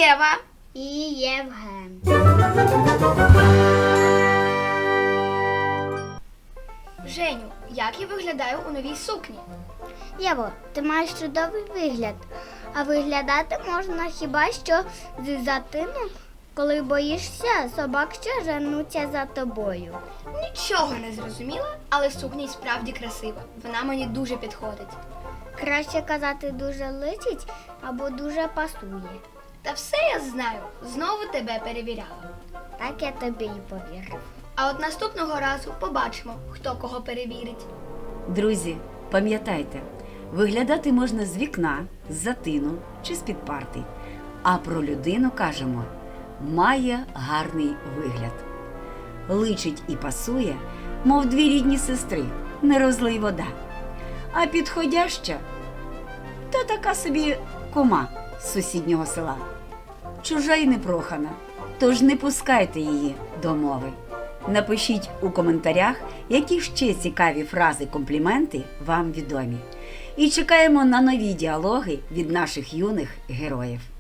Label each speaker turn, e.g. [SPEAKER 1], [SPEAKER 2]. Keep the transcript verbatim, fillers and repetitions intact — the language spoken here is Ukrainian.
[SPEAKER 1] Єва
[SPEAKER 2] і Євген.
[SPEAKER 1] Женю, як я виглядаю у новій сукні?
[SPEAKER 2] Єво, ти маєш чудовий вигляд, а виглядати можна хіба що з затину, коли боїшся собак, що женуться за тобою.
[SPEAKER 1] Нічого не зрозуміла, але сукня й справді красива. Вона мені дуже підходить.
[SPEAKER 2] Краще казати дуже личить або дуже пасує.
[SPEAKER 1] Та все я знаю, знову тебе перевіряла.
[SPEAKER 2] Так я тобі й повірив.
[SPEAKER 1] А от наступного разу побачимо, хто кого перевірить.
[SPEAKER 3] Друзі, пам'ятайте, виглядати можна з вікна, з затину чи з-під парти. А про людину кажемо – має гарний вигляд. Личить і пасує, мов дві рідні сестри, не розлий вода. А підходяща – то така собі кума з сусіднього села. Чужа й непрохана, тож не пускайте її до мови. Напишіть у коментарях, які ще цікаві фрази-компліменти вам відомі. І чекаємо на нові діалоги від наших юних героїв.